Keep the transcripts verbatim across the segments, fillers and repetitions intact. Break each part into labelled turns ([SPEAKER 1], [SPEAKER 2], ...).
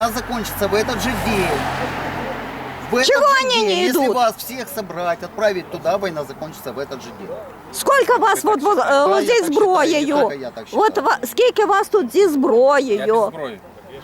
[SPEAKER 1] закончится в этот же день. В этот
[SPEAKER 2] Чего
[SPEAKER 1] же
[SPEAKER 2] они
[SPEAKER 1] день,
[SPEAKER 2] не
[SPEAKER 1] если
[SPEAKER 2] идут?
[SPEAKER 1] вас всех собрать, отправить туда, война закончится в этот же день.
[SPEAKER 2] Скільки вас от, от,
[SPEAKER 1] Да,
[SPEAKER 2] от
[SPEAKER 1] я
[SPEAKER 2] зі
[SPEAKER 1] так считаю,
[SPEAKER 2] зброєю?
[SPEAKER 1] не тільки я так
[SPEAKER 2] От
[SPEAKER 1] считаю.
[SPEAKER 2] ва- скільки вас тут зі
[SPEAKER 3] Я без
[SPEAKER 2] зброєю?
[SPEAKER 3] зброї.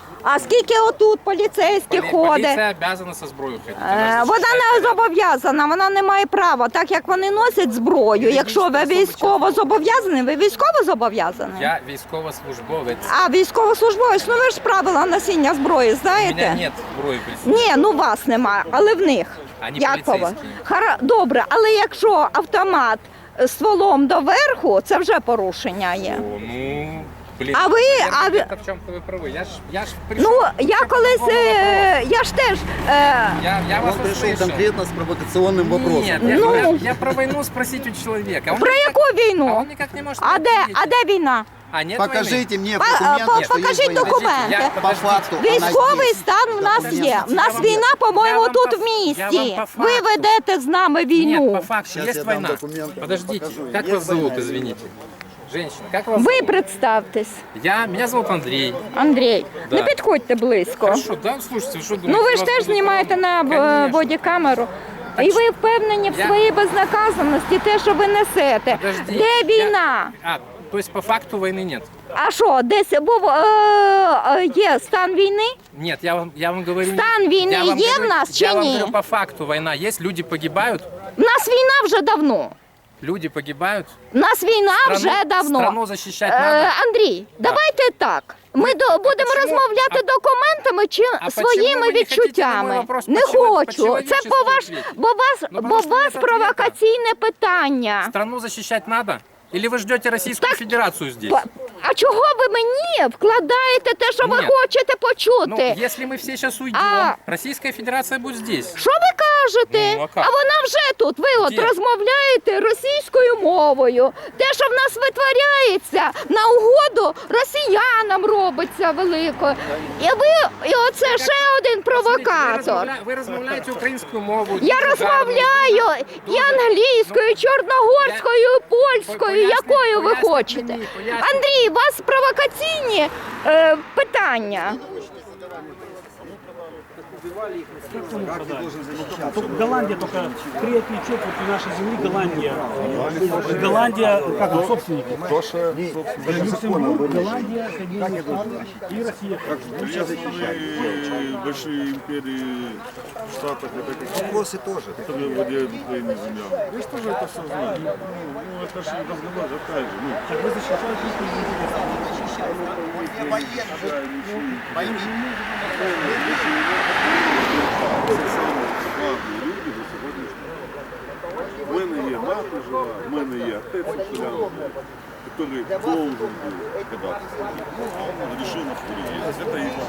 [SPEAKER 2] А скільки отут поліцейських
[SPEAKER 3] Полі-
[SPEAKER 2] ходить?
[SPEAKER 3] Поліція обязана со зброєю ходити.
[SPEAKER 2] Е, Вона не зобов'язана, вона не має права, так як вони носять зброю. Якщо ви військово зобов'язані, ви військово зобов'язані?
[SPEAKER 3] Я військовослужбовець.
[SPEAKER 2] А військовослужбовець, ну ви ж правила носіння зброї
[SPEAKER 3] У мене
[SPEAKER 2] знаєте?
[SPEAKER 3] нет зброї при собі.
[SPEAKER 2] Ні, ну вас немає, але в них.
[SPEAKER 3] Ані
[SPEAKER 2] Як по вас?
[SPEAKER 3] поліцейські.
[SPEAKER 2] Хара- Добре, але якщо автомат з стволом доверху, це вже порушення є.
[SPEAKER 3] О, ну, блін.
[SPEAKER 2] А ви-
[SPEAKER 3] наверное,
[SPEAKER 2] а ви-
[SPEAKER 3] где-то в чому-то ви праві. Я ж, я ж прийшов.
[SPEAKER 2] Ну, я колись, е, я ж теж, е,
[SPEAKER 3] Я, я вас
[SPEAKER 1] Он пришел
[SPEAKER 3] услышал.
[SPEAKER 1] конкретно с провокационным вопросом.
[SPEAKER 3] Нет,
[SPEAKER 2] Ну.
[SPEAKER 3] я, я, я про войну спросить у человека. Он
[SPEAKER 2] про
[SPEAKER 3] никак-
[SPEAKER 2] яку
[SPEAKER 3] А
[SPEAKER 2] війну?
[SPEAKER 3] он никак не может
[SPEAKER 2] А де,
[SPEAKER 3] ответить.
[SPEAKER 2] а де війна?
[SPEAKER 3] А, нет
[SPEAKER 1] Покажите мне
[SPEAKER 2] По-
[SPEAKER 1] документы,
[SPEAKER 2] по-
[SPEAKER 1] что
[SPEAKER 2] покажіть
[SPEAKER 1] есть война.
[SPEAKER 2] документи.
[SPEAKER 3] Я-
[SPEAKER 1] По факту она
[SPEAKER 2] Військовий
[SPEAKER 1] здесь.
[SPEAKER 2] стан в нас є. В нас
[SPEAKER 3] Я вам-
[SPEAKER 2] війна,
[SPEAKER 3] я
[SPEAKER 2] по-моєму,
[SPEAKER 3] вам
[SPEAKER 2] тут
[SPEAKER 3] по-
[SPEAKER 2] в
[SPEAKER 3] я
[SPEAKER 2] місті.
[SPEAKER 3] вам по
[SPEAKER 2] Ви
[SPEAKER 3] факту.
[SPEAKER 2] ведете з нами
[SPEAKER 3] Нет,
[SPEAKER 2] війну.
[SPEAKER 3] по факту,
[SPEAKER 1] Сейчас
[SPEAKER 3] есть
[SPEAKER 1] я дам
[SPEAKER 3] война.
[SPEAKER 1] документы,
[SPEAKER 3] Подождите,
[SPEAKER 1] покажу.
[SPEAKER 3] как
[SPEAKER 1] Есть
[SPEAKER 3] вас зовут,
[SPEAKER 1] война.
[SPEAKER 3] извините? Женщина, как вас
[SPEAKER 2] Ви
[SPEAKER 3] зовут?
[SPEAKER 2] представтесь,
[SPEAKER 3] Я, меня зовут Андрей.
[SPEAKER 2] Андрій.
[SPEAKER 3] Да.
[SPEAKER 2] Не підходьте близько.
[SPEAKER 3] Хорошо, да, слушайте, вы что
[SPEAKER 2] Ну
[SPEAKER 3] думаете?
[SPEAKER 2] ви ж
[SPEAKER 3] вас
[SPEAKER 2] теж
[SPEAKER 3] будут
[SPEAKER 2] знімаєте
[SPEAKER 3] трогать?
[SPEAKER 2] на е,
[SPEAKER 3] Конечно.
[SPEAKER 2] бодікамеру.
[SPEAKER 3] Так
[SPEAKER 2] І
[SPEAKER 3] що-
[SPEAKER 2] ви впевнені в
[SPEAKER 3] Я-
[SPEAKER 2] своїй безнаказаності, те, що ви несете.
[SPEAKER 3] Подожди,
[SPEAKER 2] Де
[SPEAKER 3] я-
[SPEAKER 2] війна?
[SPEAKER 3] А, то есть по факту войны нет?
[SPEAKER 2] А що, десь був е, е, є стан війни?
[SPEAKER 3] Нет, я вам, я вам говорю...
[SPEAKER 2] Стан війни
[SPEAKER 3] я вам
[SPEAKER 2] є в
[SPEAKER 3] говорю-
[SPEAKER 2] нас чи
[SPEAKER 3] Я вам
[SPEAKER 2] ні?
[SPEAKER 3] говорю, по факту война есть, люди погибают,
[SPEAKER 2] У нас війна вже давно.
[SPEAKER 3] люди погибают.
[SPEAKER 2] У нас війна
[SPEAKER 3] Страну-
[SPEAKER 2] вже давно.
[SPEAKER 3] страну защищать
[SPEAKER 2] Е,
[SPEAKER 3] надо.
[SPEAKER 2] Андрій, давайте так. Ми до, будемо
[SPEAKER 3] почему-
[SPEAKER 2] розмовляти
[SPEAKER 3] а-
[SPEAKER 2] документами чи
[SPEAKER 3] а
[SPEAKER 2] своїми
[SPEAKER 3] почему ви не хотите на мой
[SPEAKER 2] відчуттями.
[SPEAKER 3] вопрос
[SPEAKER 2] Не
[SPEAKER 3] по-чело-
[SPEAKER 2] хочу. Це
[SPEAKER 3] по-человечески
[SPEAKER 2] по ваш,
[SPEAKER 3] ответить?
[SPEAKER 2] бо вас,
[SPEAKER 3] Ну,
[SPEAKER 2] бо
[SPEAKER 3] потому что
[SPEAKER 2] вас
[SPEAKER 3] нет ответа.
[SPEAKER 2] провокаційне питання.
[SPEAKER 3] Страну защищать надо? Или вы ждете Российскую
[SPEAKER 2] Так,
[SPEAKER 3] Федерацию здесь?
[SPEAKER 2] Па- А чого ви мені вкладаєте те, що ви
[SPEAKER 3] Ні.
[SPEAKER 2] хочете
[SPEAKER 3] Ну,
[SPEAKER 2] почути?
[SPEAKER 3] если мы все сейчас уйдем,
[SPEAKER 2] А-
[SPEAKER 3] Российская Федерация будет здесь.
[SPEAKER 2] Що ви кажете?
[SPEAKER 3] Ну, а як?
[SPEAKER 2] вона вже тут. Ви от
[SPEAKER 3] Де?
[SPEAKER 2] розмовляєте російською мовою. Те, що в нас витворяється на угоду росіянам робиться велико. І ви, і оце ще один провокатор.
[SPEAKER 3] Смотрите, Вы, размовля... вы размовляете украинскую мову.
[SPEAKER 2] Я
[SPEAKER 3] дуже
[SPEAKER 2] розмовляю
[SPEAKER 3] гарно,
[SPEAKER 2] і
[SPEAKER 3] дуже-
[SPEAKER 2] англійською, і чорногорською, і польською,
[SPEAKER 3] Поясніть,
[SPEAKER 2] якою ви
[SPEAKER 3] поясніть
[SPEAKER 2] хочете.
[SPEAKER 3] мені, поясніть.
[SPEAKER 2] Андрій, у вас провокаційні е, питання.
[SPEAKER 4] Только Голландия только три отвечет вот в нашей земли Голландия. Голландия, как он, собственники. Люксембург, Голландия, Соединенные Штаты и Россия.
[SPEAKER 5] Известные большие империи в Штатах, это какие
[SPEAKER 1] Вопросы тоже.
[SPEAKER 5] которые владеют Украиной землями. Я же тоже это все знаю. Ну, ну, это же разговор такая же. Ну,
[SPEAKER 4] Так вы защищаете их
[SPEAKER 5] це саме складні люди до сьогоднішнього дня. В мене є мати жива, в мене є отець Уляна, який должен був когда-то стать. А он решил на переезд. Это их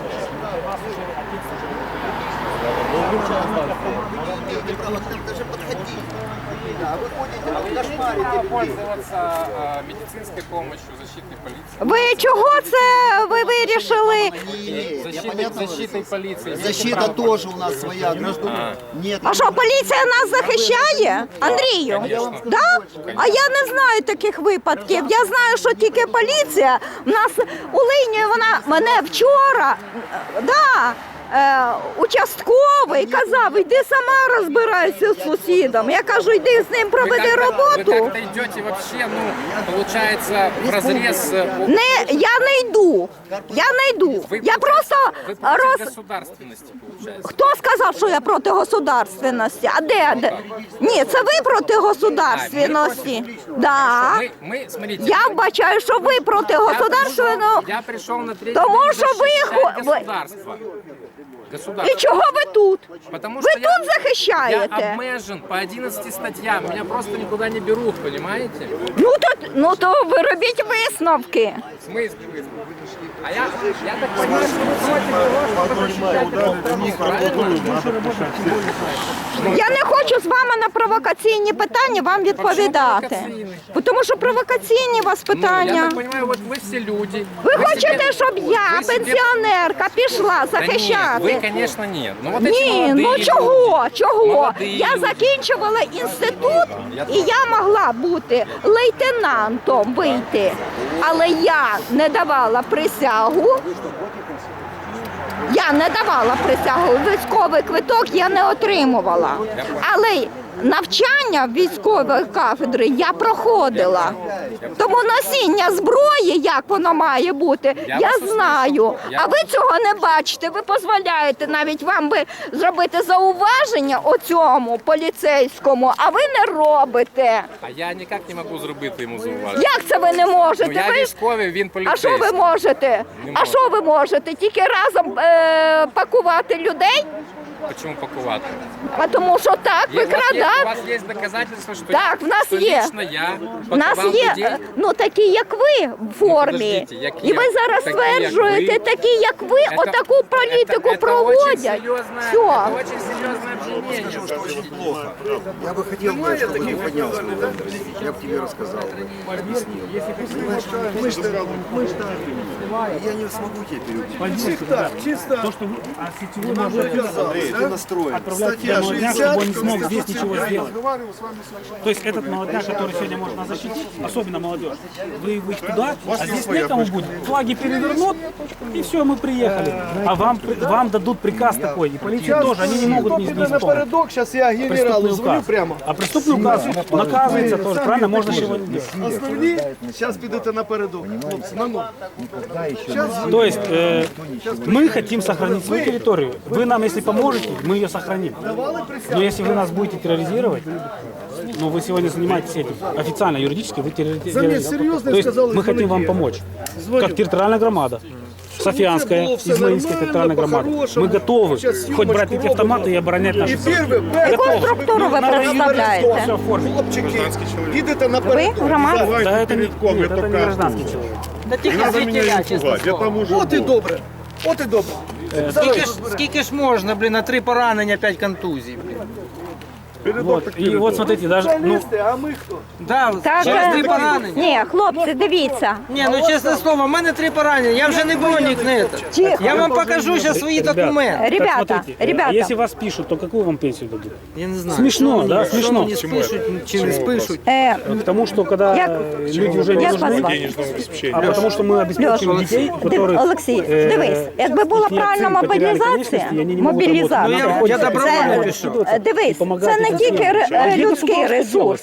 [SPEAKER 1] Даже подходи. Да, вы ходите, вы кошмарите людей.
[SPEAKER 3] Пользоваться э, медицинской помощью, защитной полиции.
[SPEAKER 2] Ви чого це ви вирішили?
[SPEAKER 1] Я
[SPEAKER 3] Защитой,
[SPEAKER 1] понятно
[SPEAKER 3] защитой полиции. имеете
[SPEAKER 1] Защита
[SPEAKER 3] право
[SPEAKER 1] тоже у нас своя, граждан. Нет.
[SPEAKER 2] А що, поліція нас захищає? Андрію?
[SPEAKER 3] Конечно.
[SPEAKER 2] Да? А я не знаю таких випадків. Я знаю, що тільки поліція. У нас у лінії вона мене вчора, да, е, участковий казав, йди сама розбирайся з сусідом. Я кажу, йди з ним
[SPEAKER 3] Вы
[SPEAKER 2] проведи
[SPEAKER 3] как-то- Вы
[SPEAKER 2] роботу.
[SPEAKER 3] как-то идете вообще, ну, получается, в разрез. э,
[SPEAKER 2] Не, я не йду. Я не йду.
[SPEAKER 3] Вы
[SPEAKER 2] Я
[SPEAKER 3] против-
[SPEAKER 2] просто
[SPEAKER 3] Вы против
[SPEAKER 2] роз...
[SPEAKER 3] государственности, получается.
[SPEAKER 2] Хто сказав, що я проти государственності? А де? де? Ні, це ви проти государственності. Да.
[SPEAKER 3] Мы, мы, смотрите.
[SPEAKER 2] Я вбачаю, що ви проти
[SPEAKER 3] я
[SPEAKER 2] государственного.
[SPEAKER 3] пришел- Я пришел на третий
[SPEAKER 2] Тому
[SPEAKER 3] день
[SPEAKER 2] що ви
[SPEAKER 3] защищать
[SPEAKER 2] хо- ви-
[SPEAKER 3] государство.
[SPEAKER 2] І
[SPEAKER 3] Государство.
[SPEAKER 2] чого ви тут?
[SPEAKER 3] Потому
[SPEAKER 2] Ви
[SPEAKER 3] что я-
[SPEAKER 2] тут захищаєте?
[SPEAKER 3] Я обмежен по одиннадцати статьям. Меня просто никуда не берут, понимаете?
[SPEAKER 2] Ну то, ну то ви робіть висновки.
[SPEAKER 3] В смысле вы? А я, я так понимаю, что вы против того, чтобы защищать эту страну, правильно?
[SPEAKER 2] Я не хочу з вами на провокаційні питання вам відповідати.
[SPEAKER 3] провокаційні?
[SPEAKER 2] Тому що провокаційні у вас
[SPEAKER 3] Ну, я
[SPEAKER 2] питання.
[SPEAKER 3] так понимаю, вот вы все люди.
[SPEAKER 2] Ви
[SPEAKER 3] Вы
[SPEAKER 2] хочете,
[SPEAKER 3] себе-
[SPEAKER 2] щоб я,
[SPEAKER 3] вы себе-
[SPEAKER 2] пенсіонерка, пішла
[SPEAKER 3] Да нет, вы,
[SPEAKER 2] захищати?
[SPEAKER 3] конечно, нет. Ну, вот эти
[SPEAKER 2] Ні,
[SPEAKER 3] молодые
[SPEAKER 2] ну
[SPEAKER 3] люди.
[SPEAKER 2] чого? Чого?
[SPEAKER 3] Молодые
[SPEAKER 2] Я
[SPEAKER 3] люди.
[SPEAKER 2] закінчувала інститут
[SPEAKER 3] я
[SPEAKER 2] і я могла бути лейтенантом вийти. Але я не давала присягу Я не давала присягу, військовий квиток я не отримувала. Але навчання в військової кафедри я проходила. Тому носіння зброї, як воно має бути,
[SPEAKER 3] Я
[SPEAKER 2] я
[SPEAKER 3] вас
[SPEAKER 2] знаю.
[SPEAKER 3] Я-
[SPEAKER 2] А ви цього не бачите, ви дозволяєте навіть вам би зробити зауваження оцьому поліцейському, а ви не робите.
[SPEAKER 3] А я ніяк не можу зробити йому зауваження.
[SPEAKER 2] Як це ви не можете?
[SPEAKER 3] Ну, я
[SPEAKER 2] Ви ж-
[SPEAKER 3] військовий, він
[SPEAKER 2] А
[SPEAKER 3] поліцейський.
[SPEAKER 2] що ви можете?
[SPEAKER 3] Не
[SPEAKER 2] А
[SPEAKER 3] можу.
[SPEAKER 2] що ви можете? Тільки разом е, пакувати людей?
[SPEAKER 3] Чому пакувати?
[SPEAKER 2] А тому що так,
[SPEAKER 3] Є- у, вас є, у
[SPEAKER 2] викрадати.
[SPEAKER 3] вас є доказательства, що,
[SPEAKER 2] Так, в нас
[SPEAKER 3] що
[SPEAKER 2] є.
[SPEAKER 3] лично я
[SPEAKER 2] У нас
[SPEAKER 3] пакував
[SPEAKER 2] є,
[SPEAKER 3] людей?
[SPEAKER 2] е, ну такі, як ви, в формі.
[SPEAKER 3] подождіть, як
[SPEAKER 2] І
[SPEAKER 3] я?
[SPEAKER 2] ви зараз
[SPEAKER 3] Такі, як
[SPEAKER 2] стверджуєте,
[SPEAKER 3] ви?
[SPEAKER 2] такі, як ви,
[SPEAKER 3] Это-
[SPEAKER 2] отаку політику
[SPEAKER 3] это- это
[SPEAKER 2] проводять.
[SPEAKER 3] Очень серьезное,
[SPEAKER 2] Все.
[SPEAKER 3] это очень серьезное обвинение.
[SPEAKER 1] Я бы хотел, бы, чтобы ты поднялся. Я бы тебе рассказал. Объяснил. Мы что, мы что, я не смогу тебе переубедить.
[SPEAKER 4] Чисто, чисто. То, что вы, а сетевой может
[SPEAKER 1] Андрей, ты настроен.
[SPEAKER 4] отправлять туда молодняк, чтобы он не смог здесь ничего сделать. То есть этот молодняк, который сегодня может нас защитить, особенно молодежь, вы, вы их туда, а здесь некому будет. Флаги перевернут, и все, мы приехали. А вам, вам дадут приказ такой, и полиция тоже, они не могут не, не исполнить.
[SPEAKER 6] Напередок, зараз я генералу
[SPEAKER 4] Преступный
[SPEAKER 6] дзвоню
[SPEAKER 4] указ.
[SPEAKER 6] прямо.
[SPEAKER 4] А преступный указ наказывается тоже, правильно? Можно же его не делать.
[SPEAKER 6] Основні, зараз підете напередок, хлопці, на нуль.
[SPEAKER 4] То есть э, мы хотим сохранить свою территорию. Вы нам, если поможете, мы ее сохраним. Но если вы нас будете терроризировать, ну вы сегодня занимаетесь этим официально, юридически, вы терроризируете.
[SPEAKER 6] серьезно
[SPEAKER 4] То есть
[SPEAKER 6] сказали,
[SPEAKER 4] мы хотим вам
[SPEAKER 6] звоните.
[SPEAKER 4] помочь.
[SPEAKER 6] Звоню.
[SPEAKER 4] Как территориальная громада. Софианская,
[SPEAKER 6] было всё
[SPEAKER 4] Измаильская
[SPEAKER 6] нормально,
[SPEAKER 4] территориальная громада.
[SPEAKER 6] по-хорошему.
[SPEAKER 4] Мы готовы
[SPEAKER 6] Сейчас
[SPEAKER 4] хоть брать
[SPEAKER 6] съемочку
[SPEAKER 4] эти автоматы и оборонять наши
[SPEAKER 6] І
[SPEAKER 4] земли.
[SPEAKER 6] перше, перше,
[SPEAKER 2] Яку структуру ви представляєте?
[SPEAKER 4] Все оформить.
[SPEAKER 6] хлопчики, підете
[SPEAKER 2] Ви
[SPEAKER 6] напередок.
[SPEAKER 2] громада?
[SPEAKER 4] Да это не, нет, это не гражданский человек.
[SPEAKER 5] Не надо меня не пугать, я там уже
[SPEAKER 6] От і
[SPEAKER 5] был.
[SPEAKER 6] добре, от і добре.
[SPEAKER 7] Скільки ж, скільки ж можна, блін, на три поранення, п'ять контузій, блін.
[SPEAKER 5] Передок
[SPEAKER 4] Вот.
[SPEAKER 5] так
[SPEAKER 4] И
[SPEAKER 5] передок.
[SPEAKER 4] вот смотрите, даже, ну,
[SPEAKER 6] Журналісти, а ми хто?
[SPEAKER 7] Да,
[SPEAKER 2] Так,
[SPEAKER 7] через
[SPEAKER 2] е,
[SPEAKER 7] три поранення.
[SPEAKER 2] ні, хлопці, дивіться.
[SPEAKER 7] Ні, ну чесне слово, в мене три поранення, я вже не бронік, не це.
[SPEAKER 2] Тихо.
[SPEAKER 7] Я вам покажу зараз свої
[SPEAKER 4] ребят,
[SPEAKER 7] документи.
[SPEAKER 4] так
[SPEAKER 2] Ребята,
[SPEAKER 4] смотрите,
[SPEAKER 2] ребята.
[SPEAKER 4] а если вас пишут, то какую вам пенсию дадут?
[SPEAKER 7] Я не знаю.
[SPEAKER 4] Смішно,
[SPEAKER 7] що мені-
[SPEAKER 4] да,
[SPEAKER 7] що
[SPEAKER 4] смішно.
[SPEAKER 7] мені спишуть, чи не спишуть.
[SPEAKER 2] Е,
[SPEAKER 4] К тому, что когда
[SPEAKER 2] Як-
[SPEAKER 4] э, люди уже не
[SPEAKER 2] Як вас
[SPEAKER 4] нужны,
[SPEAKER 2] звати?
[SPEAKER 4] а потому что мы обеспечиваем
[SPEAKER 2] Льош,
[SPEAKER 4] детей, у
[SPEAKER 2] Див-
[SPEAKER 4] которых...
[SPEAKER 2] Олексій,
[SPEAKER 4] э,
[SPEAKER 2] дивись, якби була
[SPEAKER 4] їхні
[SPEAKER 2] правильна
[SPEAKER 4] отці потеряли
[SPEAKER 2] мобілізація,
[SPEAKER 4] конечності, вони не можуть
[SPEAKER 2] мобілізація,
[SPEAKER 7] Ну, я- я добровольно
[SPEAKER 2] це,
[SPEAKER 7] пишу.
[SPEAKER 2] е, дивись, це не тільки ре- е, людський ресурс,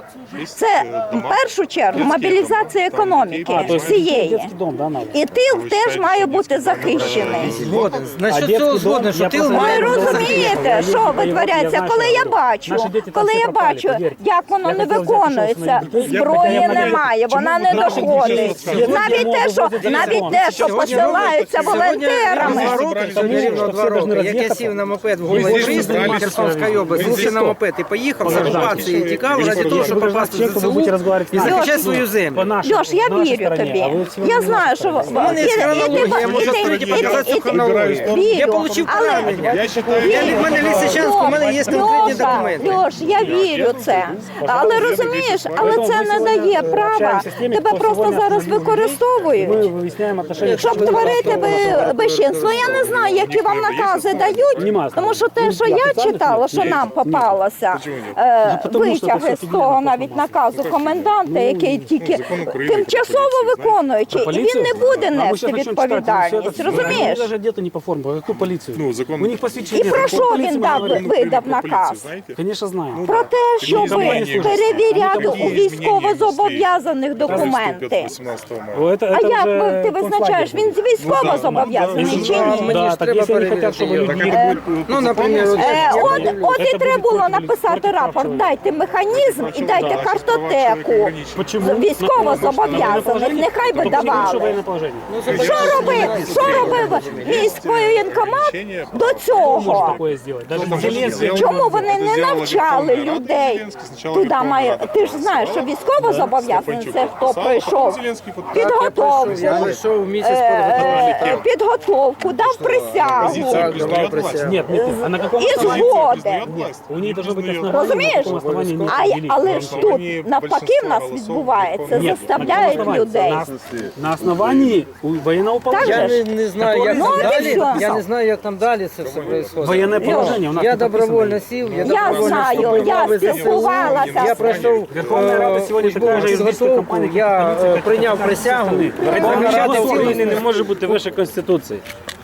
[SPEAKER 2] це в першу чергу мобілізація економіки всієї.
[SPEAKER 4] Детский дом, да, надо.
[SPEAKER 2] І тил теж має бути захищений.
[SPEAKER 7] Згоден.
[SPEAKER 4] А
[SPEAKER 7] Насчет
[SPEAKER 4] детский
[SPEAKER 7] цього
[SPEAKER 4] дом,
[SPEAKER 7] згоден, що
[SPEAKER 4] я
[SPEAKER 7] ти
[SPEAKER 4] просто-
[SPEAKER 2] Ви
[SPEAKER 7] має бути
[SPEAKER 2] розумієте,
[SPEAKER 4] Я
[SPEAKER 2] що
[SPEAKER 4] воевал, я
[SPEAKER 2] витворяється,
[SPEAKER 4] знаю,
[SPEAKER 2] коли
[SPEAKER 4] що
[SPEAKER 2] я
[SPEAKER 4] робити.
[SPEAKER 2] бачу,
[SPEAKER 4] Наші діти там
[SPEAKER 2] коли
[SPEAKER 4] всі
[SPEAKER 2] я
[SPEAKER 4] пропали,
[SPEAKER 2] бачу,
[SPEAKER 4] повірте.
[SPEAKER 2] як воно
[SPEAKER 4] Я
[SPEAKER 2] не
[SPEAKER 4] хотів взяти
[SPEAKER 2] виконується,
[SPEAKER 4] своїх дітей. Я
[SPEAKER 2] зброї
[SPEAKER 4] хотів-
[SPEAKER 2] немає, вона
[SPEAKER 4] Чому
[SPEAKER 2] не
[SPEAKER 4] наших
[SPEAKER 2] доходить.
[SPEAKER 4] дітей
[SPEAKER 2] Навіть те, що навіть те, що посилаються волонтерами.
[SPEAKER 7] Два роки, сьогодні рівно два роки. Як я сів на мопед в Голій Пристань, Херсонська область, сівся на мопед і поїхав з окупації, тікав ради того, щоб попасти в
[SPEAKER 4] Человеку вы будете
[SPEAKER 7] ЗСУ
[SPEAKER 4] разговаривать
[SPEAKER 7] і
[SPEAKER 4] с нами.
[SPEAKER 7] захищати свою землю.
[SPEAKER 4] По нашей-
[SPEAKER 2] Льош, я
[SPEAKER 4] на нашей
[SPEAKER 2] вірю
[SPEAKER 4] стороне,
[SPEAKER 2] тобі.
[SPEAKER 4] а вы всего
[SPEAKER 2] Я
[SPEAKER 4] на
[SPEAKER 2] знаю, що
[SPEAKER 7] У мене є хронологія, я можу відкрити і показати цю хронологію. Я отримав поранення.
[SPEAKER 5] Я считаю,
[SPEAKER 7] Я від мене Лисичанську, у мене є конкретні документи.
[SPEAKER 2] Льош, я вірю це. Але розумієш, але це не дає права. Тебе просто зараз
[SPEAKER 4] Мы
[SPEAKER 2] використовують.
[SPEAKER 4] выясняем отношения.
[SPEAKER 2] Щоб творити би- безчинство, я не знаю, які вам накази дають,
[SPEAKER 4] Нема.
[SPEAKER 2] тому що те, що я читала, що нам попалося, е,
[SPEAKER 4] Ну, тому що
[SPEAKER 2] витяги
[SPEAKER 4] це
[SPEAKER 2] з того навіть наказу коменданта, який тільки тимчасово виконуючий, і він не буде
[SPEAKER 4] А мы
[SPEAKER 2] нести
[SPEAKER 4] сейчас начнем читать,
[SPEAKER 2] відповідальність,
[SPEAKER 4] ну,
[SPEAKER 2] розумієш?
[SPEAKER 4] Они даже одеты не по форме, а какую полицию?
[SPEAKER 5] Ну, закон-
[SPEAKER 4] У них посвящение.
[SPEAKER 2] І про що він дав, видав наказ?
[SPEAKER 4] Конечно, знаю.
[SPEAKER 2] Про те, щоб перевіряти у військовозобов'язаних документи.
[SPEAKER 4] О, это-
[SPEAKER 2] А
[SPEAKER 4] это
[SPEAKER 2] як
[SPEAKER 4] уже
[SPEAKER 2] ви- ти визначаєш, він військово зобов'язаний чи ні?
[SPEAKER 7] Мені
[SPEAKER 4] Да,
[SPEAKER 7] ж
[SPEAKER 4] так
[SPEAKER 7] треба
[SPEAKER 4] если они хотят, чтобы
[SPEAKER 7] перевірити.
[SPEAKER 4] люди...
[SPEAKER 7] Ну, наприклад, от-
[SPEAKER 2] Е, От, от і
[SPEAKER 4] Це
[SPEAKER 2] треба
[SPEAKER 4] буде
[SPEAKER 2] було
[SPEAKER 4] кожен
[SPEAKER 2] написати
[SPEAKER 4] поліцейський
[SPEAKER 2] рапорт,
[SPEAKER 4] чоловік.
[SPEAKER 2] дайте механізм і дайте картотеку.
[SPEAKER 4] Почему?
[SPEAKER 2] Військово зобов'язаних, нехай би давали.
[SPEAKER 4] военное положение.
[SPEAKER 2] Що робив, що робив міський воєнкомат до
[SPEAKER 4] Может
[SPEAKER 2] цього?
[SPEAKER 4] такое сделать. Даже Зеленский.
[SPEAKER 2] Чому вони не навчали людей? Туди має, ти ж знаєш, що військово зобов'язаний це хто пройшов підготовку,
[SPEAKER 7] я пройшов місяць
[SPEAKER 2] е,
[SPEAKER 7] підготовки.
[SPEAKER 2] підготовку, дав присягу.
[SPEAKER 7] Так, давав присягу.
[SPEAKER 4] Нет, нет, а на каком
[SPEAKER 2] І
[SPEAKER 4] основании?
[SPEAKER 2] згоден.
[SPEAKER 4] У них должно быть основание,
[SPEAKER 2] Розумієш?
[SPEAKER 4] на каком основании они
[SPEAKER 2] А,
[SPEAKER 4] ввели.
[SPEAKER 2] але ж тут навпаки в нас відбувається,
[SPEAKER 4] Нет, на
[SPEAKER 2] заставляють
[SPEAKER 4] каком основании?
[SPEAKER 2] людей.
[SPEAKER 4] На, на основании у- военного
[SPEAKER 2] Так
[SPEAKER 7] Я
[SPEAKER 4] положения.
[SPEAKER 2] же
[SPEAKER 7] не, не знаю, як
[SPEAKER 2] Ну,
[SPEAKER 7] там
[SPEAKER 2] от і
[SPEAKER 7] далі.
[SPEAKER 2] все.
[SPEAKER 7] Я не знаю, як там далі це все відбувається.
[SPEAKER 4] Военное положение у нас
[SPEAKER 7] Я
[SPEAKER 4] не прописано.
[SPEAKER 7] добровольно сів, я
[SPEAKER 2] Я
[SPEAKER 7] добровольно
[SPEAKER 2] знаю,
[SPEAKER 7] вступив в
[SPEAKER 2] я
[SPEAKER 7] лави ЗСУ.
[SPEAKER 2] спілкувалася.
[SPEAKER 7] Я пройшов
[SPEAKER 4] Верховна Рада
[SPEAKER 7] е,
[SPEAKER 4] сьогодні
[SPEAKER 7] службову
[SPEAKER 4] така ж юридична
[SPEAKER 7] підготовку,
[SPEAKER 4] компанія, як
[SPEAKER 7] я
[SPEAKER 4] поліція,
[SPEAKER 7] е,
[SPEAKER 4] як
[SPEAKER 7] прийняв
[SPEAKER 4] така
[SPEAKER 7] присягу.
[SPEAKER 4] страни.
[SPEAKER 7] захищати
[SPEAKER 4] Верховна
[SPEAKER 7] Україну.
[SPEAKER 4] України не може бути вище Конституції.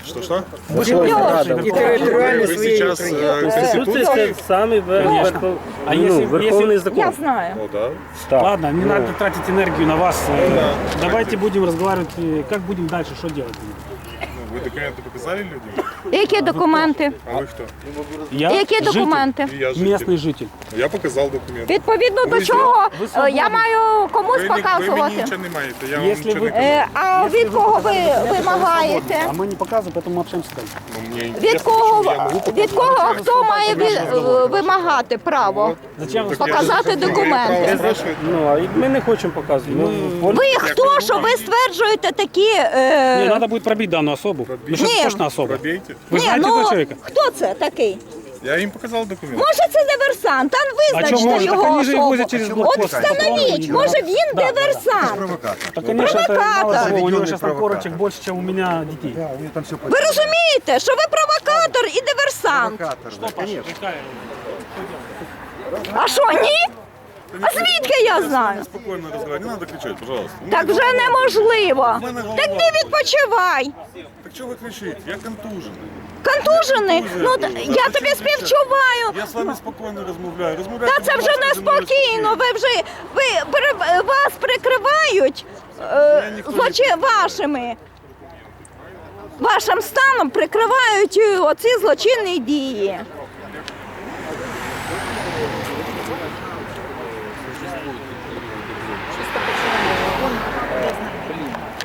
[SPEAKER 5] Что-что?
[SPEAKER 7] І територіально
[SPEAKER 5] Вы
[SPEAKER 7] своєї
[SPEAKER 5] сейчас
[SPEAKER 7] України.
[SPEAKER 5] э,
[SPEAKER 8] Конституция
[SPEAKER 5] Конституции?
[SPEAKER 8] это самый вер-
[SPEAKER 4] Конечно.
[SPEAKER 8] верхов-
[SPEAKER 4] А
[SPEAKER 8] ну,
[SPEAKER 4] если-
[SPEAKER 8] верховный
[SPEAKER 4] если-
[SPEAKER 8] закон.
[SPEAKER 2] Я знаю.
[SPEAKER 5] Ну да.
[SPEAKER 8] Так.
[SPEAKER 4] Ладно, не
[SPEAKER 8] Ну,
[SPEAKER 4] надо тратить энергию на вас. Э, Давайте будем разговаривать, э, как будем дальше, что делать.
[SPEAKER 5] Ну, вы документы показали людям?
[SPEAKER 2] Які документи?
[SPEAKER 5] А вы кто?
[SPEAKER 4] Я
[SPEAKER 2] Які
[SPEAKER 4] житель,
[SPEAKER 2] документи?
[SPEAKER 5] И я житель.
[SPEAKER 4] местный житель.
[SPEAKER 5] Я показал документы.
[SPEAKER 2] Відповідно до
[SPEAKER 5] Ви
[SPEAKER 2] чого
[SPEAKER 4] ви
[SPEAKER 2] е,
[SPEAKER 4] свободні.
[SPEAKER 2] я маю комусь
[SPEAKER 5] Ви, ні- ви мені
[SPEAKER 2] показувати.
[SPEAKER 5] нічого не маєте, я вам
[SPEAKER 4] Якщо
[SPEAKER 5] нічого
[SPEAKER 4] ви-
[SPEAKER 5] не
[SPEAKER 2] Е,
[SPEAKER 5] кажу.
[SPEAKER 2] А від кого ви вимагаєте?
[SPEAKER 4] А мы не показываем, поэтому мы общаемся так.
[SPEAKER 5] Ну, мені
[SPEAKER 2] Від
[SPEAKER 5] інтересно,
[SPEAKER 2] кого,
[SPEAKER 5] чому я можу
[SPEAKER 2] від кого хто має ві- вимагати право?
[SPEAKER 4] Зачем ви
[SPEAKER 2] Показати
[SPEAKER 5] Я
[SPEAKER 2] документи.
[SPEAKER 5] право спрашиваю.
[SPEAKER 8] Ну, а ми не хочемо показувати. Ну, вон-
[SPEAKER 2] Ви хто, що ви стверджуєте такі...
[SPEAKER 4] Не,
[SPEAKER 2] Е...
[SPEAKER 4] надо будет пробить данную особу. Ну что
[SPEAKER 2] Не.
[SPEAKER 4] это точно особа?
[SPEAKER 5] Пробейте.
[SPEAKER 4] Вы
[SPEAKER 2] Ні,
[SPEAKER 4] знаете
[SPEAKER 2] ну,
[SPEAKER 4] этого человека?
[SPEAKER 2] хто це такий?
[SPEAKER 5] Я їм показав документи.
[SPEAKER 2] Може це диверсант, там
[SPEAKER 4] А чого
[SPEAKER 2] визначте
[SPEAKER 4] може? Так
[SPEAKER 2] його
[SPEAKER 4] вони ж
[SPEAKER 2] особу.
[SPEAKER 4] возять через
[SPEAKER 2] От
[SPEAKER 4] блокпост.
[SPEAKER 2] встановіть, може він диверсант.
[SPEAKER 4] Так, конечно, это мало
[SPEAKER 2] Провокатор.
[SPEAKER 4] того, у него
[SPEAKER 1] Заведенный
[SPEAKER 4] сейчас там
[SPEAKER 1] провокатор.
[SPEAKER 4] корочек больше, чем у меня детей.
[SPEAKER 1] Да, у меня там все
[SPEAKER 2] Ви розумієте, що ви провокатор і диверсант?
[SPEAKER 1] провокатор. Конечно.
[SPEAKER 2] А що, ні? А звідки я знаю?
[SPEAKER 5] Спокійно розмовляйте, не треба кричати, пожалуйста. Ну,
[SPEAKER 2] Так вже неможливо.
[SPEAKER 5] мене голова
[SPEAKER 2] Так ти відпочивай.
[SPEAKER 5] Так чого ви кричите? Я контужений.
[SPEAKER 2] Контужений? Ну, т- я тобі
[SPEAKER 5] Я
[SPEAKER 2] співчуваю.
[SPEAKER 5] з вами спокійно розмовляю. Розмовляйте,
[SPEAKER 2] Та це
[SPEAKER 5] будь
[SPEAKER 2] вже
[SPEAKER 5] ласка, зі мною
[SPEAKER 2] неспокійно. Ви вже ви пере- вас прикривають е,
[SPEAKER 5] ніхто не
[SPEAKER 2] злочин вашими. Вашим станом прикривають е, оці злочинні дії.